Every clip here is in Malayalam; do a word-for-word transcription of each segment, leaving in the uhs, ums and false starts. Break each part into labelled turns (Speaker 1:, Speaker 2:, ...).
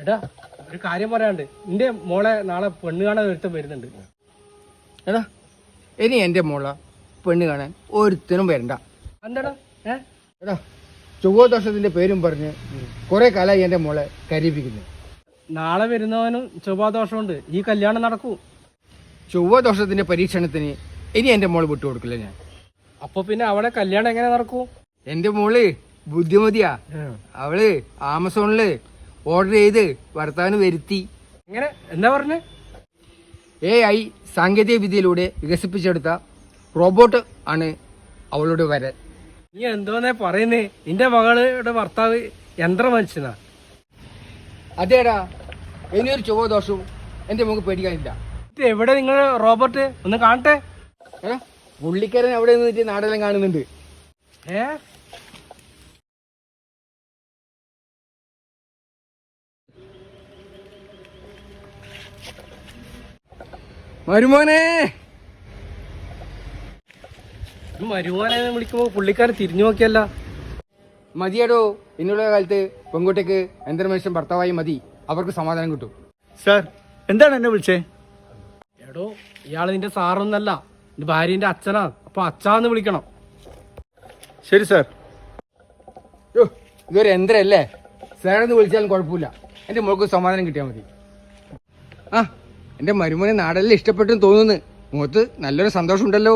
Speaker 1: എടാ ഒരു കാര്യം പറയാണ്ട് നിന്റെ മോളെ നാളെ പെണ്ണ് കാണാൻ ഒരുത്തം വരുന്നുണ്ട്.
Speaker 2: എടാ ഇനി എൻ്റെ മോളെ പെണ്ണ് കാണാൻ ഒരുത്തനും വരണ്ട.
Speaker 1: എന്താടാ ഏ
Speaker 2: എടാ ചൊവ്വാദോഷത്തിന്റെ പേരും പറഞ്ഞ് കുറെ കാലമായി എൻ്റെ മോളെ കരീപിക്കുന്നു.
Speaker 1: നാളെ വരുന്നവനും ചൊവ്വാദോഷമുണ്ട്, ഈ കല്യാണം നടക്കൂ.
Speaker 2: ചൊവ്വാദോഷത്തിന്റെ പരീക്ഷണത്തിന് ഇനി എൻ്റെ മോള് വിട്ടുകൊടുക്കില്ല ഞാൻ.
Speaker 1: അപ്പൊ പിന്നെ അവളെ കല്യാണം എങ്ങനെ നടക്കൂ?
Speaker 2: എൻ്റെ മോള് ബുദ്ധിമതിയാ. അവള് ആമസോണില് ഓർഡർ ചെയ്ത് ഭർത്താവിന് വരുത്തി.
Speaker 1: എങ്ങനെ എന്താ പറഞ്ഞേ?
Speaker 2: എ ഐ സാങ്കേതിക വിദ്യയിലൂടെ വികസിപ്പിച്ചെടുത്ത റോബോട്ട് ആണ് അവളുടെ വരൻ.
Speaker 1: നീ എന്തോന്നേ പറയുന്നേ? നിന്റെ മകളുടെ ഭർത്താവ് യന്ത്ര മനുഷ്യനാ.
Speaker 2: അതേടാ, ഇനിയൊരു ചൊവ്വാദോഷവും എൻ്റെ മോക്ക് പേടിക്കാനില്ല.
Speaker 1: ഇത് എവിടെ നിങ്ങൾ റോബോട്ട് ഒന്ന് കാണട്ടെ.
Speaker 2: ഏ പുള്ളിക്കാരൻ അവിടെ നിന്നിട്ട് നാടെല്ലാം കാണുന്നുണ്ട്.
Speaker 1: ഏ
Speaker 2: മരുമോനെ
Speaker 1: മരുമോനെ വിളിക്കുമ്പോ പുള്ളിക്കാരൻ തിരിഞ്ഞു നോക്കിയല്ല.
Speaker 2: മതിയടോ, ഇന്നുള്ള കാലത്ത് പെൺകുട്ടിക്ക് യന്ത്രമനുഷ്യൻ ഭർത്താവായി മതി, അവർക്ക് സമാധാനം കിട്ടും.
Speaker 3: സാർ എന്താണ് എന്നെ വിളിച്ചേ?
Speaker 1: എടോ ഇയാള് നിന്റെ സാറൊന്നല്ല, നിന്റെ ഭാര്യന്റെ അച്ഛനാ. അപ്പൊ അച്ഛാന്ന് വിളിക്കണം.
Speaker 3: ശരി സാർ.
Speaker 2: യോ ഇതൊരു യന്ത്രമല്ലേ, സാറെന്ന് വിളിച്ചാലും കുഴപ്പമില്ല, എൻ്റെ മോൾക്ക് സമാധാനം കിട്ടിയാൽ മതി. ആ എൻ്റെ മരുമോനെ നാടെല്ലാം ഇഷ്ടപ്പെട്ടെന്ന് തോന്നുന്നു. മുഖത്ത് നല്ലൊരു സന്തോഷമുണ്ടല്ലോ.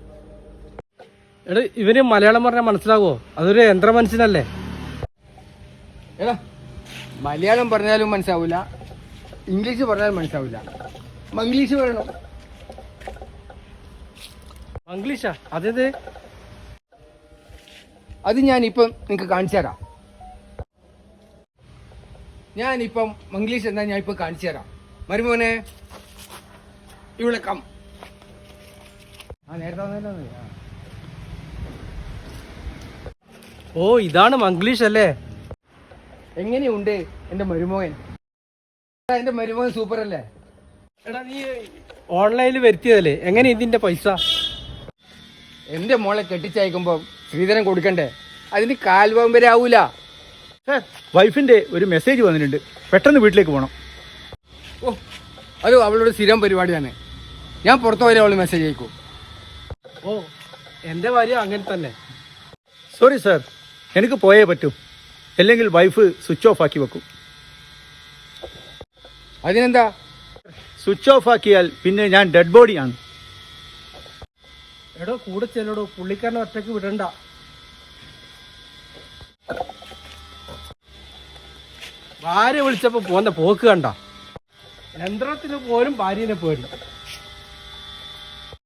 Speaker 1: എടാ ഇവന് മലയാളം പറഞ്ഞാൽ മനസ്സിലാവോ? അതൊരു യന്ത്ര മനുഷ്യനല്ലേ.
Speaker 2: എടാ മലയാളം പറഞ്ഞാലും മനസ്സിലാവില്ല, ഇംഗ്ലീഷ് പറഞ്ഞാലും മനസ്സിലാവില്ല, മംഗ്ലീഷ് പറയണം.
Speaker 1: മംഗ്ലീഷാ? അതേത്?
Speaker 2: അത് ഞാനിപ്പം നിങ്ങൾക്ക് കാണിച്ചു തരാം. ഞാനിപ്പം മംഗ്ലീഷ് എന്താ ഞാൻ ഇപ്പം കാണിച്ചു തരാം. മരുമോനെ ഇവിടെ കം. ആ നേരത്തെ വന്നല്ലോ.
Speaker 1: ഓ ഇതാണ് മംഗ്ലീഷ് അല്ലേ?
Speaker 2: എങ്ങനെയുണ്ട് എൻ്റെ മരുമോൻ? എൻ്റെ മരുമോൻ സൂപ്പർ അല്ലേ?
Speaker 1: എടാ നീ ഓൺലൈനിൽ വരുത്തിയതല്ലേ, എങ്ങനെ ഇതിന്റെ പൈസ?
Speaker 2: എൻ്റെ മോളെ കെട്ടിച്ചയക്കുമ്പോൾ ശ്രീധരൻ കൊടുക്കണ്ടേ, അതിന് കാൽഭാഗം വരെ ആവൂല.
Speaker 3: സാർ വൈഫിന്റെ ഒരു മെസ്സേജ് വന്നിട്ടുണ്ട്, പെട്ടെന്ന് വീട്ടിലേക്ക് പോകണം.
Speaker 2: ഓ അത് അവളുടെ സ്ഥിരം പരിപാടിയാണ്. ഞാൻ പുറത്തു വരെ അവൾ മെസ്സേജ് അയക്കും.
Speaker 1: ഓ എന്റെ ഭാര്യ അങ്ങനെ തന്നെ.
Speaker 3: സോറി സാർ, എനിക്ക് പോയേ പറ്റൂ, അല്ലെങ്കിൽ വൈഫ് സ്വിച്ച് ഓഫ് ആക്കി വെക്കും.
Speaker 2: അതിനെന്താ?
Speaker 3: സ്വിച്ച് ഓഫ് ആക്കിയാൽ പിന്നെ ഞാൻ ഡെഡ് ബോഡിയാണ്.
Speaker 1: എടോ കൂടെ ചെല്ലടോ, പുള്ളിക്കാരനെ ഒറ്റയ്ക്ക് വിടണ്ട. ഭാര്യ വിളിച്ചപ്പോ പോന്ന പോക്ക് കണ്ട. യന്ത്രത്തിന് പോലും ഭാര്യനെ പേടി.